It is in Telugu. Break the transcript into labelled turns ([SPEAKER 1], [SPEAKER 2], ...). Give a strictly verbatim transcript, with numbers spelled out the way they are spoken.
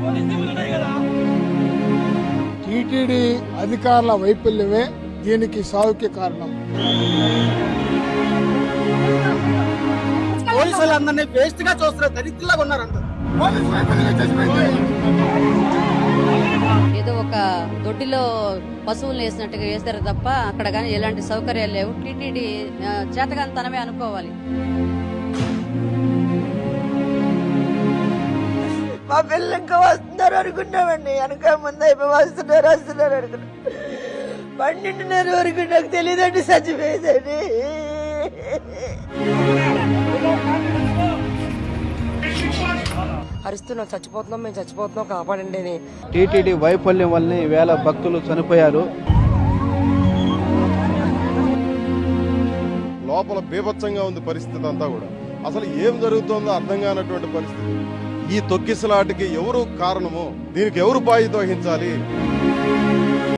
[SPEAKER 1] టీటీడీ అధికారుల వైఫల్యమే దీనికి సాగుకి కారణం.
[SPEAKER 2] పోలీసులందరినీ వేస్ట్ గా చూస్తున్నారు, దరిద్రులాగా ఉన్నారు అందరూ.
[SPEAKER 3] ఏదో ఒక దొడ్డిలో పశువులు వేసినట్టుగా వేస్తారు తప్ప అక్కడ కానీ ఎలాంటి సౌకర్యాలు లేవు. టీటీడీ చేతగానితనమే అనుకోవాలి.
[SPEAKER 4] మా పిల్లలు ఇంకా వస్తున్నారు అనుకున్నామండి, వెనక ముందు అయిపోయి వస్తున్నారు వస్తున్నారు అనుకున్నాం. పన్నెండున్నర వరకు నాకు తెలియదండి చచ్చిపోయేదండి.
[SPEAKER 5] అరుస్తున్నాం, చచ్చిపోతున్నాం, మేము చచ్చిపోతున్నాం, కాపాడండి అని.
[SPEAKER 6] టీటీడీ వైఫల్యం వల్లనే వేల భక్తులు చనిపోయారు.
[SPEAKER 7] లోపల బీభత్సంగా ఉంది పరిస్థితి అంతా కూడా. అసలు ఏం జరుగుతుందో అర్థం కానటువంటి పరిస్థితి. ఈ తొక్కిసలాటకి ఎవరు కారణము, దీనికి ఎవరు బాధ్యత వహించాలి?